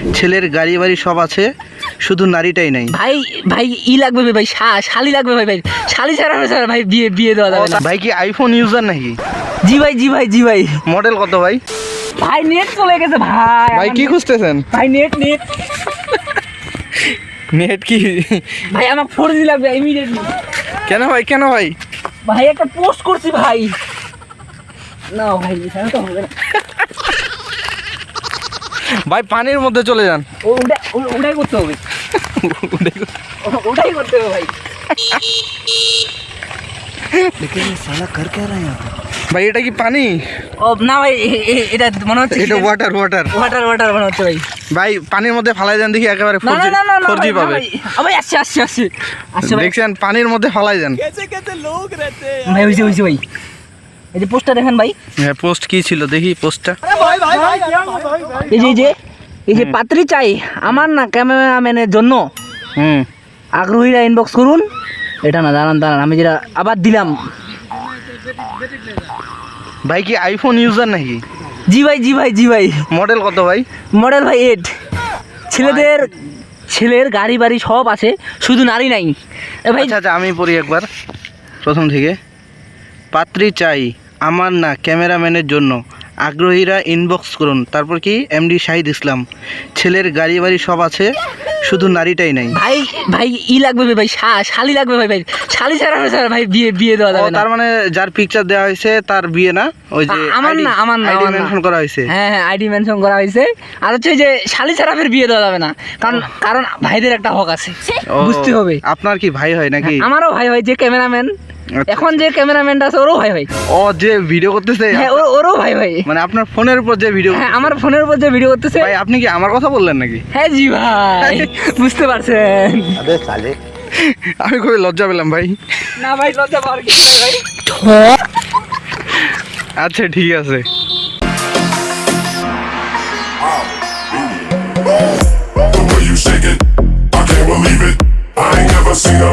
ছেলের গাড়ি বাড়ি সব আছে, শুধু নারীটাই নাই। ভাই ভাই লাগবে ভাই, শালি লাগবে ভাই, শালি ছাড়া ভাই বিয়ে দেওয়া যাবে না। ভাই কি আইফোন ইউজার নাকি? জি ভাই। মডেল কত ভাই? ভাই নেট চলে গেছে ভাই। ভাই কি খুঁজতেছেন? ভাই নেট নেট কি ভাই, আমার 4G লাগবে ইমিডিয়েটলি। কেন ভাই? ভাই একটা পোস্ট করছি ভাই। না ভাই এখানে তো হবে না ভাই পানির মধ্যে চলে যান। ওটাই করতে হবে ভাই। ভাই এটা কি পানি? ও না ভাই, এটা মনে হচ্ছে এটা ওয়াটার মনে হচ্ছে ভাই। ভাই পানির মধ্যে ফালাই যান দেখি, একেবারে না 4G পাবে। ভাই আসছে ভাই। দেখছেন পানির মধ্যে ফালাই যান। ভাই হইছে ভাই। এই যে পোস্টটা দেখেন ভাই। হ্যাঁ পোস্ট কি ছিল দেখি পোস্টটা। এই যে পাত্রী চাই আমার না ক্যামেরাম্যানের জন্য, আগ্রহীরা ইনবক্স করুন। এটা না দাঁড়ান আমি যেটা আবার দিলাম। ভাই কি আইফোন ইউজার নাকি? জি ভাই। মডেল কত ভাই? মডেল ভাই 8। ছেলের গাড়ি বাড়ি সব আছে, শুধু নারী নাই। ভাই আচ্ছা আমি পড়ি একবার প্রথম থেকে। পাত্রী চাই আমার না ক্যামেরাম্যানের জন্য, আগ্রহীরা ইনবক্স করুন। তারপর কি এমডি শাহিদ ইসলাম। ছেলের গাড়ি বাড়ি সব আছে, শুধু নারীটাই নাই। ভাই লাগবে ভাই, শালি লাগবে ভাই, শালি ছাড়া ভাই বিয়ে দেওয়া যাবে না। তার মানে যার পিকচার দেওয়া হয়েছে তার বিয়ে না? ওই যে আমার না আইডি মেনশন করা হয়েছে। হ্যাঁ আইডি মেনশন করা হয়েছে। আর হচ্ছে যে শালি ছাড়া বিয়ে দেওয়া যাবে না, কারণ ভাইদের একটা হক আছে, বুঝতে হবে। আপনার কি ভাই হয় নাকি? আমারও ভাই হয়, যে ক্যামেরাম্যান এখন যে ক্যামেরাম্যানটা আছে ওরও ভাই। ও যে ভিডিও করতেছে, হ্যাঁ ওরও ভাই। মানে আপনার ফোনের উপর যে ভিডিও? হ্যাঁ আমার ফোনের উপর যে ভিডিও করতেছে। ভাই আপনি কি আমার কথা বললেন নাকি? হ্যাঁ জি ভাই, বুঝতে পারছেন। আমি খুবই লজ্জা পেলাম ভাই। না ভাই লজ্জা পাওয়ার কিছু নাই ভাই। আচ্ছা ঠিক আছে।